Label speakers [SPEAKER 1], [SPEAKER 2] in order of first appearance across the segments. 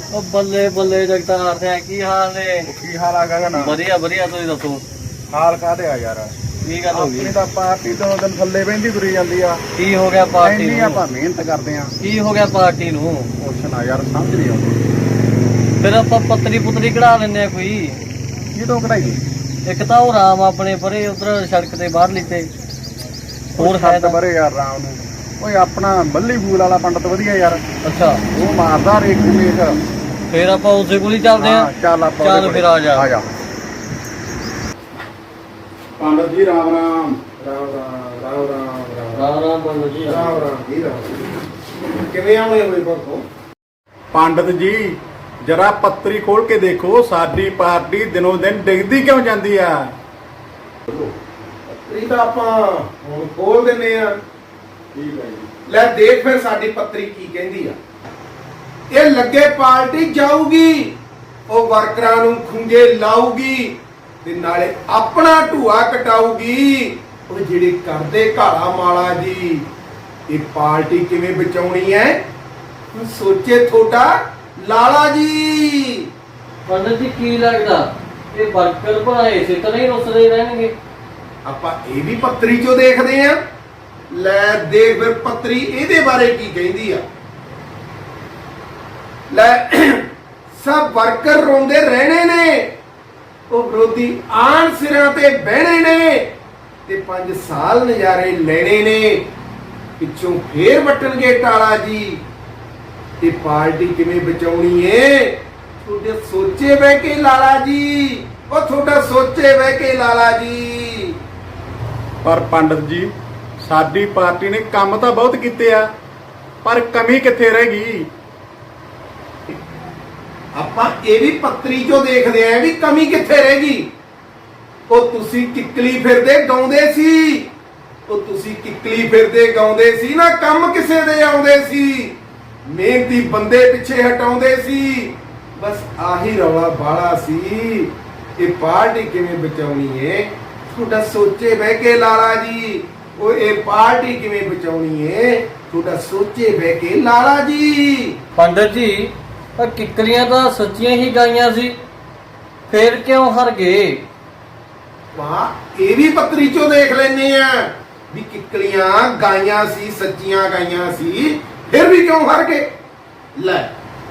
[SPEAKER 1] ਉਹ ਬੱਲੇ ਬੱਲੇ ਜਗਤਾਰ ਸਿੰਘ ਕੀ ਹਾਲ ਨੇ?
[SPEAKER 2] ਕੀ ਹਾਲ ਆ ਗਗਨ?
[SPEAKER 1] ਵਧੀਆ ਵਧੀਆ, ਤੁਸੀਂ ਦੱਸੋ
[SPEAKER 2] ਹਾਲ ਕਾਹਦੇ ਆ ਯਾਰ?
[SPEAKER 1] ਕੀ ਗੱਲ ਹੋ ਗਈ?
[SPEAKER 2] ਆਪਣੀ ਤਾਂ ਪਾਰਟੀ ਤੋਂ ਦਿਨ ਥੱਲੇ ਬਹਿੰਦੀ ਤੁਰੀ ਜਾਂਦੀ ਆ।
[SPEAKER 1] ਕੀ ਹੋ ਗਿਆ ਪਾਰਟੀ
[SPEAKER 2] ਇੰਨੀ
[SPEAKER 1] ਨੂੰ?
[SPEAKER 2] ਆਪਾਂ ਮਿਹਨਤ ਕਰਦੇ ਆ।
[SPEAKER 1] ਕੀ ਹੋ ਗਿਆ ਪਾਰਟੀ ਨੂੰ?
[SPEAKER 2] ਕੁਛ ਨਾ ਯਾਰ, ਸਮਝ ਨਹੀਂ ਆਉਂਦੀ।
[SPEAKER 1] ਫਿਰ ਆਪਾਂ ਪੱਤਰੀ ਪੁੱਤਰੀ ਕਢਾ ਲੈਂਦੇ ਆ ਕੋਈ।
[SPEAKER 2] ਕੀ ਤੋਂ ਕਢਾਈ?
[SPEAKER 1] ਇੱਕ ਤਾਂ ਉਹ ਰਾਮ ਆਪਣੇ ਪਰੇ ਉਧਰ ਸੜਕ ਤੇ ਬਾਹਰ ਲਿੱਤੇ, ਹੋਰ ਹੈ
[SPEAKER 2] ਛੱਡ
[SPEAKER 1] ਤਾਂ
[SPEAKER 2] ਬਰੇ ਯਾਰ ਰਾਮ ਨੂੰ। ਓਏ ਆਪਣਾ ਬੱਲੀ ਫੂਲ ਵਾਲਾ ਪੰਡਤ ਵਧੀਆ ਯਾਰ,
[SPEAKER 1] ਅੱਛਾ।
[SPEAKER 2] ਉਹ ਮਾਰਦਾ ਰੇਖ ਮੇਖ।
[SPEAKER 1] ਫਿਰ ਆਪਾਂ ਉਸੇ ਕੋਲ ਹੀ ਚੱਲਦੇ ਆ।
[SPEAKER 2] ਚੱਲ ਆਪਾਂ
[SPEAKER 1] ਚੱਲ
[SPEAKER 2] ਉਹਦੇ
[SPEAKER 1] ਫਿਰ
[SPEAKER 2] ਕੋਲ।
[SPEAKER 1] ਆ ਜਾ।
[SPEAKER 2] ਪੰਡਤ ਜੀ ਰਾਮ ਰਾਮ। ਰਾਮ ਰਾਮ ਰਾਮ ਰਾਮ
[SPEAKER 1] ਰਾਮ ਰਾਮ ਪੰਡਤ ਜੀ।
[SPEAKER 2] ਰਾਮ ਰਾਮ ਜੀ ਰਾਮ। ਕਿਵੇਂ ਆਉਣੇ ਹੋਏ ਪਰਸੋਂ? ਪੰਡਤ ਜੀ ਜਰਾ ਪੱਤਰੀ ਖੋਲ ਕੇ ਦੇਖੋ, ਸਾਡੀ ਪਾਰਟੀ ਦਿਨੋਂ ਦਿਨ ਡਿੱਗਦੀ ਕਿਉਂ ਜਾਂਦੀ ਆ?
[SPEAKER 3] ਪੱਤਰੀ ਤਾਂ ਆਪਾਂ ਹੁਣ ਖੋਲ ਦਿੰਨੇ ਆ।
[SPEAKER 2] ਠੀਕ ਹੈ ਜੀ।
[SPEAKER 3] ਲੈ ਦੇਖ ਫਿਰ ਸਾਡੀ ਪੱਤਰੀ ਕੀ ਕਹਿੰਦੀ ਆ। ਇਹ ਲੱਗੇ ਪਾਰਟੀ ਜਾਊਗੀ, ਉਹ ਵਰਕਰਾਂ ਨੂੰ ਖੁੰਝੇ ਲਾਊਗੀ ਤੇ ਨਾਲੇ ਆਪਣਾ ਢੂਆ ਕਟਾਊਗੀ। ਉਹ ਜਿਹੜੇ ਕਰਦੇ ਘਾਲਾ ਮਾਲਾ ਜੀ, ਇਹ ਪਾਰਟੀ ਕਿਵੇਂ ਬਚਾਉਣੀ ਹੈ ਹੁਣ ਸੋਚੇ ਤੁਹਾਡਾ ਲਾਲਾ ਜੀ।
[SPEAKER 1] ਪੰਡਤ ਜੀ ਕੀ ਲੱਗਦਾ ਇਹ ਵਰਕਰ ਭਰਾਏ ਸੇ ਤਾਂ ਨਹੀਂ ਰੁੱਸਦੇ ਰਹਿਣਗੇ?
[SPEAKER 3] ਆਪਾਂ ਇਹ ਵੀ ਪੱਤਰੀ ਚੋਂ ਦੇਖਦੇ ਆ। ਲੈ ਦੇਖ ਫਿਰ ਪੱਤਰੀ ਇਹਦੇ ਬਾਰੇ ਕੀ ਕਹਿੰਦੀ ਆ। ਲੈ ਸਭ ਵਰਕਰ ਰੋਂਦੇ ਰਹਿਣੇ ਨੇ, ਉਹ ਵਿਰੋਧੀ ਆਣ ਸਿਰਾਂ ਤੇ ਬਹਿਣੇ ਨੇ ਤੇ 5 ਸਾਲ ਨਜ਼ਾਰੇ ਲੈਣੇ ਨੇ। ਪਿੱਛੋਂ ਫੇਰ ਵੱਟਣਗੇ ਟਾਲਾ ਜੀ। ਤੇ ਪਾਰਟੀ ਕਿਵੇਂ ਬਚਾਉਣੀ ਏ ਤੁਹਾਡੇ ਸੋਚੇ ਬਹਿ ਕੇ ਲਾਲਾ ਜੀ। ਉਹ ਤੁਹਾਡਾ ਸੋਚੇ ਬਹਿ ਕੇ ਲਾਲਾ ਜੀ।
[SPEAKER 2] ਪਰ ਪੰਡਤ ਜੀ ਸਾਡੀ ਪਾਰਟੀ ਨੇ ਕੰਮ ਤਾਂ ਬਹੁਤ ਕੀਤੇ ਆ, ਪਰ ਕਮੀ ਕਿੱਥੇ ਰਹਿ ਗਈ?
[SPEAKER 3] ਆਪਾਂ ਇਹ ਵੀ ਪੱਤਰੀ ਚੋਂ ਦੇਖਦੇ ਆਂ ਵੀ ਕਮੀ ਕਿੱਥੇ ਰਹਿ ਗਈ। ਉਹ ਤੁਸੀਂ ਕਿੱਕਲੀ ਫਿਰਦੇ ਗਾਉਂਦੇ ਸੀ, ਉਹ ਤੁਸੀਂ ਕਿੱਕਲੀ ਫਿਰਦੇ ਗਾਉਂਦੇ ਸੀ ਨਾ, ਕੰਮ ਕਿਸੇ ਦੇ ਆਉਂਦੇ ਸੀ, ਮਿਹਨਤੀ ਬੰਦੇ ਪਿੱਛੇ ਹਟਾਉਂਦੇ ਸੀ। ਬਸ ਆਹੀ ਰੌਲਾ ਬਾਲਾ ਸੀ। ਇਹ ਪਾਰਟੀ ਕਿਵੇਂ ਬਚਾਉਣੀ ਏ ਤੁਹਾਡਾ ਸੋਚੇ ਬਹਿ ਕੇ ਲਾਲਾ ਜੀ। ਉਹ ਇਹ ਪਾਰਟੀ ਕਿਵੇਂ ਬਚਾਉਣੀ ਏ ਤੁਹਾਡਾ ਸੋਚੇ ਬਹਿ ਕੇ ਲਾਲਾ ਜੀ।
[SPEAKER 1] ਪੰਡਤ ਜੀ ਆ ਕਿੱਕਰੀਆਂ ਤਾਂ ਸੱਚੀਆਂ ਹੀ ਗਾਈਆਂ ਸੀ, ਫੇਰ ਕਿਉਂ ਹਾਰ ਗਏ?
[SPEAKER 3] ਵਾਹ ਇਹ ਵੀ ਪੱਤਰੀ ਚੋਂ ਦੇਖ ਲੈਨੇ ਆ ਵੀ ਕਿੱਕਲੀਆਂ ਗਾਈਆਂ ਸੀ, ਸੱਚੀਆਂ ਗਾਈਆਂ ਸੀ, ਫਿਰ ਵੀ ਕਿਉਂ ਹਾਰ ਗਏ। ਲੈ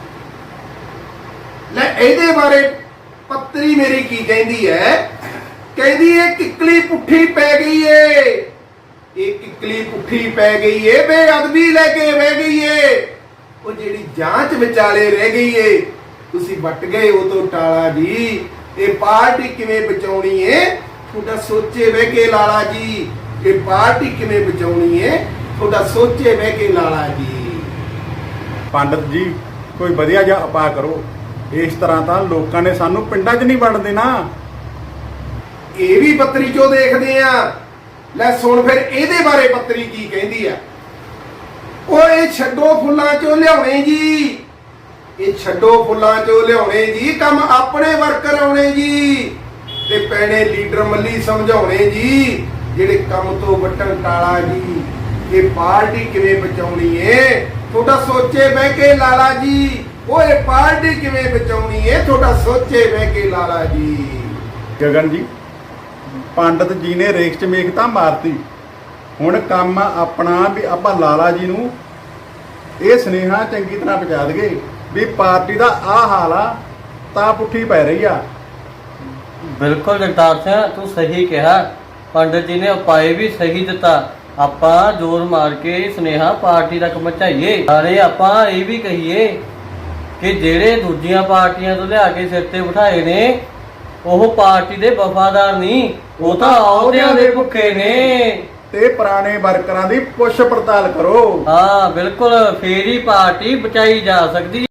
[SPEAKER 3] ਲੈ ਇਹਦੇ ਬਾਰੇ ਪੱਤਰੀ ਮੇਰੀ ਕੀ ਕਹਿੰਦੀ ਹੈ। ਕਹਿੰਦੀ ਏ ਕਿੱਕਲੀ ਪੁੱਠੀ ਪੈ ਗਈ ਏ, ਇਹ ਕਿੱਕਲੀ ਪੁੱਠੀ ਪੈ ਗਈ ਏ, ਬੇਅਦਬੀ ਲੈ ਕੇ ਬਹਿ ਗਈ ਏ। ਉਹ ਜਿਹੜੀ ਜਾਂਚ ਵਿਚਾਲੇ ਰਹਿ ਗਈ ਏ, ਤੁਸੀਂ ਵੱਟ ਗਏ ਉਹ ਤੋਂ ਟਾਲਾ ਜੀ। ਇਹ ਪਾਰਟੀ ਕਿਵੇਂ ਬਚਾਉਣੀ ਏ ਤੁਹਾਡਾ ਸੋਚੇ ਬਹਿ ਕੇ ਲਾਲਾ ਜੀ। ਇਹ ਪਾਰਟੀ ਕਿਵੇਂ ਬਚਾਉਣੀ ਏ ਤੁਹਾਡਾ ਸੋਚੇ ਬਹਿ ਕੇ ਲਾਲਾ ਜੀ।
[SPEAKER 2] ਪੰਡਤ ਜੀ ਕੋਈ ਵਧੀਆ ਜਿਹਾ ਉਪਾਅ ਕਰੋ, ਇਸ ਤਰ੍ਹਾਂ ਤਾਂ ਲੋਕਾਂ ਨੇ ਸਾਨੂੰ ਪਿੰਡਾਂ 'ਚ ਨਹੀਂ ਵੜਨ ਦੇਣਾ।
[SPEAKER 3] ਇਹ ਵੀ ਪੱਤਰੀ ਚੋਂ ਦੇਖਦੇ ਆ। ਲੈ ਸੁਣ ਫਿਰ ਇਹਦੇ ਬਾਰੇ ਪੱਤਰੀ ਕੀ ਕਹਿੰਦੀ ਆ। ਉਹ ਇਹ ਛੱਡੋ ਫੁੱਲਾਂ ਚੋਂ ਲਿਆਉਣੇ ਜੀ, ਇਹ ਛੱਡੋ ਫੁੱਲਾਂ ਚੋਂ ਲਿਆਉਣੇ ਜੀ, ਕੰਮ ਆਪਣੇ ਵਰਕਰ ਆਉਣੇ ਜੀ ਤੇ ਪੈਣੇ ਲੀਡਰ ਮੱਲੀ ਸਮਝਾਉਣੇ ਜੀ, ਜਿਹੜੇ ਕੰਮ ਤੋਂ ਵੱਟਣ ਟਾਲਾ ਜੀ। ਇਹ ਪਾਰਟੀ ਕਿਵੇਂ ਬਚਾਉਣੀ ਏ ਤੁਹਾਡਾ ਸੋਚੇ ਬਹਿ ਕੇ ਲਾਲਾ ਜੀ। ਉਹ ਇਹ ਪਾਰਟੀ ਕਿਵੇਂ ਬਚਾਉਣੀ ਏ ਤੁਹਾਡਾ ਸੋਚੇ ਬਹਿ ਕੇ ਲਾਲਾ ਜੀ।
[SPEAKER 2] ਗਗਨ ਜੀ ਪੰਡਤ ਜੀ ਨੇ ਰੇਖ 'ਚ ਮੇਖ ਤਾਂ ਮਾਰਤੀ, ਹੁਣ ਕੰਮ ਆਪਣਾ ਵੀ ਆਪਾਂ ਲਾਲਾ ਜੀ ਨੂੰ ਇਹ ਸੁਨੇਹਾ ਚੰਗੀ ਤਰ੍ਹਾਂ ਪਹੁੰਚਾ ਦਈਏ ਵੀ ਪਾਰਟੀ ਦਾ ਆਹ ਹਾਲ ਆ, ਤਾਂ ਪੁੱਠੀ ਪੈ ਰਹੀ ਆ।
[SPEAKER 1] ਬਿਲਕੁਲ ਜਗਤਾਰ ਸਿੰਘ ਤੂੰ ਸਹੀ ਕਿਹਾ, ਪੰਡਤ ਜੀ ਨੇ ਉਪਾਅ ਵੀ ਸਹੀ ਦਿੱਤਾ। ਆਪਾਂ ਜ਼ੋਰ ਮਾਰ ਕੇ ਸੁਨੇਹਾ ਪਾਰਟੀ ਤੱਕ ਪਹੁੰਚਾਈਏ। ਸਾਰੇ ਆਪਾਂ ਇਹ ਵੀ ਕਹੀਏ ਕਿ ਜਿਹੜੇ ਦੂਜੀਆਂ ਪਾਰਟੀਆਂ ਤੋਂ ਲਿਆ ਕੇ ਸਿਰ ਤੇ ਬਿਠਾਏ ਨੇ ਉਹ ਪਾਰਟੀ ਦੇ ਵਫਾਦਾਰ ਨਹੀਂ, ਉਹ ਤਾਂ ਅਹੁਦਿਆਂ ਦੇ ਭੁੱਖੇ ਨੇ।
[SPEAKER 2] ਤੇ ਪੁਰਾਣੇ ਵਰਕਰਾਂ ਦੀ ਪੁੱਛ ਪੜਤਾਲ ਕਰੋ।
[SPEAKER 1] ਹਾਂ ਬਿਲਕੁਲ, ਫੇਰ ਹੀ ਪਾਰਟੀ ਬਚਾਈ ਜਾ ਸਕਦੀ।